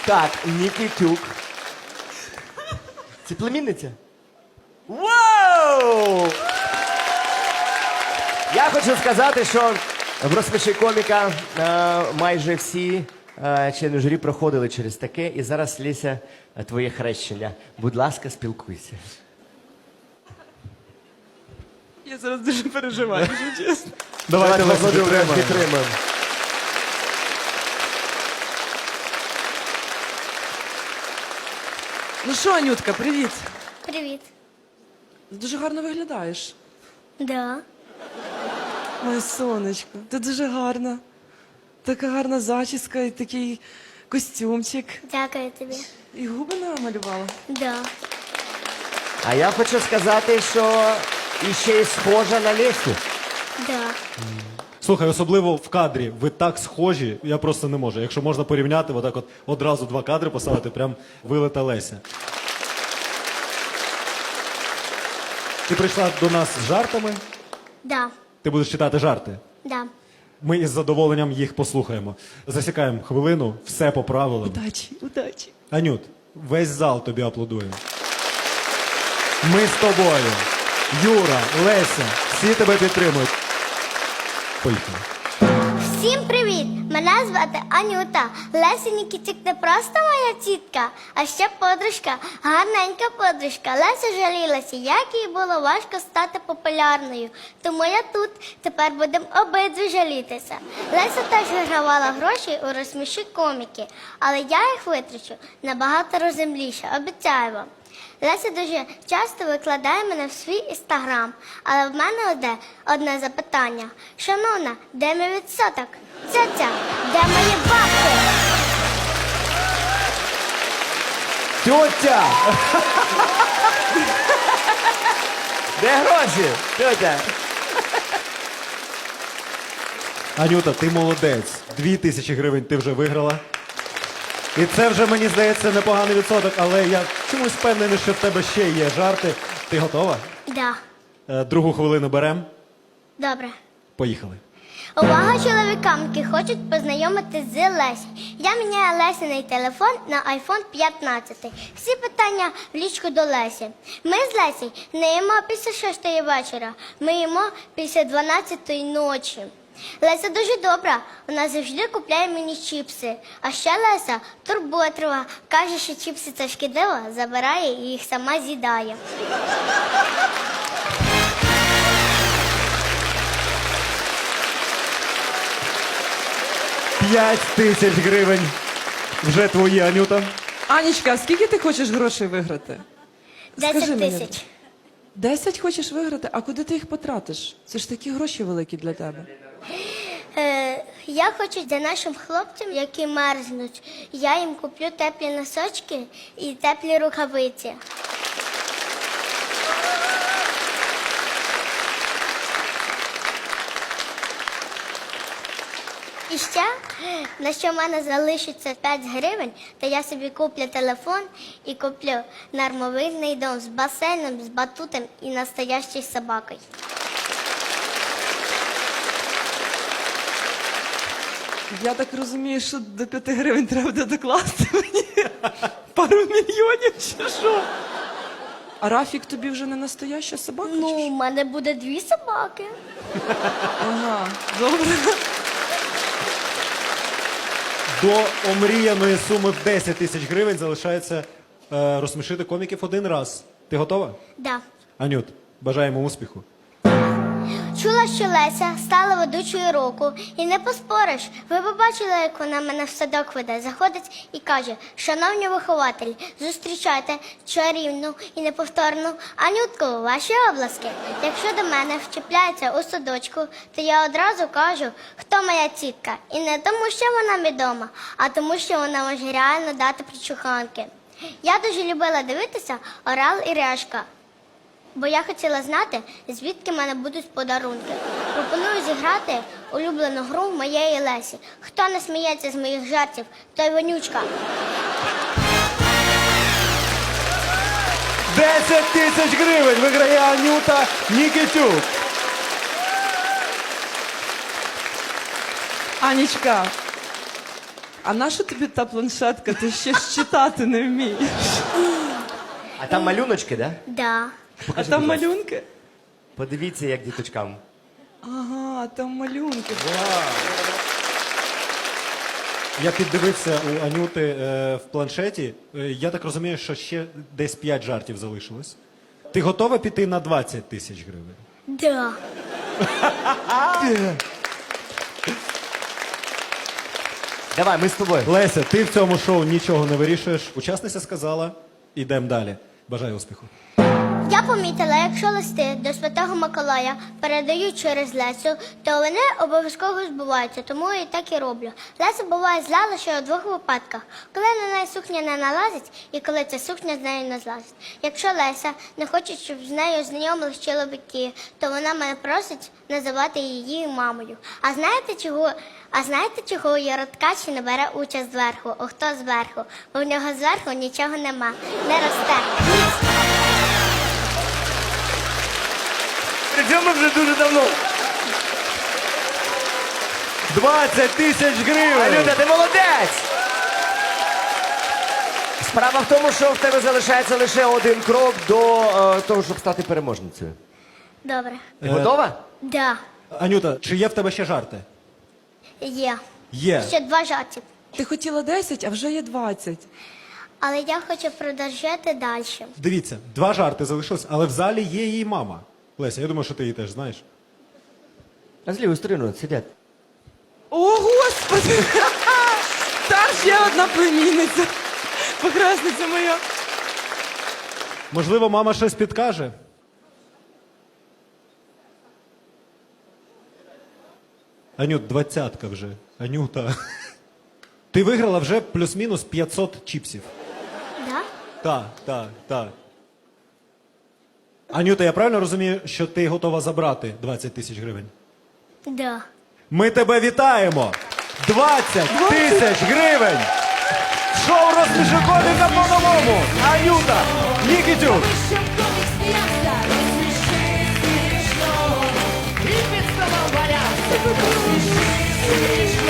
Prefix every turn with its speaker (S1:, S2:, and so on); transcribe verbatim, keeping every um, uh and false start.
S1: Так, Нікітюк. Це племінниця? Вау! Я хочу сказати, що в «Розсміши коміка» е, майже всі е, члени журі проходили через таке. І зараз, Леся, е, твоє хрещення. Будь ласка, спілкуйся.
S2: Я зараз дуже переживаю, якщо чесно.
S3: Давайте вас
S1: підтримаємо.
S3: підтримаємо.
S1: підтримаємо.
S2: Ну що, Анютка, привіт.
S4: Привіт.
S2: Дуже гарно виглядаєш.
S4: Да.
S2: Моє сонечко, ти дуже гарна. Така гарна зачіска і такий костюмчик.
S4: Дякую тобі.
S2: І губи намалювала.
S4: Да.
S1: А я хочу сказати, що іще й схожа на Лесю.
S4: Да.
S3: Слухай, особливо в кадрі. Ви так схожі, я просто не можу. Якщо можна порівняти, отак от одразу два кадри поставити, прям вилета Леся. Ти прийшла до нас з жартами.
S4: Да.
S3: Ти будеш читати жарти.
S4: Да.
S3: Ми із задоволенням їх послухаємо. Засікаємо хвилину, все по правилам.
S2: Удачі, удачі.
S3: Анют, весь зал тобі аплодує. Ми з тобою. Юра, Леся, всі тебе підтримують. Поїхали.
S4: Всім привіт! Мене звати Анюта. Леся Нікітюк не просто моя тітка, а ще подружка, гарненька подружка. Леся жалілася, як їй було важко стати популярною. Тому я тут. Тепер будемо обидві жалітися. Леся теж вигравала гроші у «Розсміши коміки», але я їх витрачу набагато розумніше, обіцяю вам. Леся дуже часто викладає мене в свій інстаграм, але в мене одне, одне запитання. Шановна, де мій відсоток? Ця-ця, де мої бабки?
S1: Тьотя! Де гроші? Тьотя!
S3: Анюта, ти молодець. Дві тисячі гривень ти вже виграла. І це вже, мені здається, непоганий відсоток, але я чомусь впевнений, що в тебе ще є жарти. Ти готова?
S4: Да,
S3: Е, Другу хвилину беремо.
S4: добре.
S3: Поїхали.
S4: Увага чоловікам, які хочуть познайомитись з Лесею. Я міняю Лесиний телефон на айфон п'ятнадцять. Всі питання в лічку до Лесі. Ми з Лесею не їмо після шостої вечора, ми їмо після дванадцятої ночі. Леся дуже добра, вона завжди купляє мені чіпси. А ще Леся турботрива, каже, що чіпси це шкідливо, забирає і їх сама з'їдає.
S3: П'ять тисяч гривень. Вже твої, Анюта.
S2: Анічка, а скільки ти хочеш грошей виграти? Скажи
S4: Десять
S2: мені.
S4: тисяч.
S2: Десять хочеш виграти? А куди ти їх потратиш? Це ж такі гроші великі для тебе.
S4: Е, я хочу для нашим хлопцям, які мерзнуть, я їм куплю теплі носочки і теплі рукавиці. І ще, на що в мене залишиться п'ять гривень, то я собі куплю телефон і куплю нормовильний дом з басейном, з батутом і настоящою собакою.
S2: Я так розумію, що до п'яти гривень треба буде докласти мені пару мільйонів чи що? А Рафік тобі вже не настояща собака?
S4: Ну,
S2: чи
S4: у
S2: що?
S4: мене буде дві собаки.
S2: Ага, добре.
S3: До омріяної суми в десять тисяч гривень залишається е, розсмішити коміків один раз. Ти готова?
S4: Да.
S3: Анют, бажаємо успіху.
S4: Чула, що Леся стала ведучою року, і не поспориш. Ви побачили, як вона мене в садок веде. Заходить і каже: шановні вихователі, зустрічайте чарівну і неповторну Анютку, ваші обласки. Якщо до мене вчіпляється у садочку, то я одразу кажу, хто моя тітка. І не тому, що вона відома, а тому, що вона може реально дати причуханки. Я дуже любила дивитися «Орел і решка», бо я хотіла знати, звідки в мене будуть подарунки. Пропоную зіграти улюблену гру моєї Лесі. Хто не сміється з моїх жартів, той вонючка.
S3: десять тисяч гривень виграє Анюта Нікітюк.
S2: Анічка, А наша тобі та планшетка? Ти ще ж читати не вмієш.
S1: А там малюночки, да?
S4: Да.
S2: А
S1: Покажи,
S2: там
S1: будь ласка.
S2: малюнки?
S1: Подивіться, як діточкам.
S2: Ага, там малюнки.
S3: Я піддивився у Анюти е, в планшеті. Е, я так розумію, що ще десь п'ять жартів залишилось. Ти готова піти на двадцять тисяч гривень?
S4: Да.
S1: Давай, ми з тобою.
S3: Леся, ти в цьому шоу нічого не вирішуєш. Учасниця сказала, ідемо далі. Бажаю успіху.
S4: Я помітила, якщо листи до Святого Миколая передають через Лесю, то вони обов'язково збуваються, тому я і так і роблю. Леся буває зла лише у двох випадках, коли на неї сукня не налазить і коли ця сукня з нею не злазить. Якщо Леся не хоче, щоб з нею знайомились чоловіки, то вона мене просить називати її мамою. А знаєте чого? А знаєте, чого Яроткач не бере участь зверху? О, хто зверху? Бо в нього зверху нічого нема, не росте.
S1: Причому вже дуже давно.
S3: двадцять тисяч гривень!
S1: Анюта, ти молодець! Справа в тому, що в тебе залишається лише один крок до е, того, щоб стати переможницею.
S4: Добре.
S1: Ти готова?
S4: Да,
S3: Анюта, чи є в тебе ще жарти?
S4: є.
S3: Є.
S4: Ще два жарти.
S2: Ти хотіла десять, а вже є двадцять.
S4: Але я хочу продовжити далі.
S3: Дивіться, два жарти залишилось, але в залі є її мама. Леся, я думаю, що ти її теж знаєш.
S1: А з лівої сторони от сидять.
S2: О, Господи! Там ще одна племінниця. Похресниця моя.
S3: Можливо, мама щось підкаже? Анют, двадцятка вже. Анюта. Ти виграла вже плюс-мінус п'ятсот чіпсів.
S4: Да?
S3: Так, так, так. Анюта, я правильно розумію, що ти готова забрати двадцять тисяч гривень?
S4: Да.
S3: Ми тебе вітаємо! двадцять тисяч гривень! Шоу «Розсміши коміка по-новому». Анюта, Нікітюк.
S5: Щоб комік сміявся, розсміши смішно. І під столом валявся. Розсміши смішно.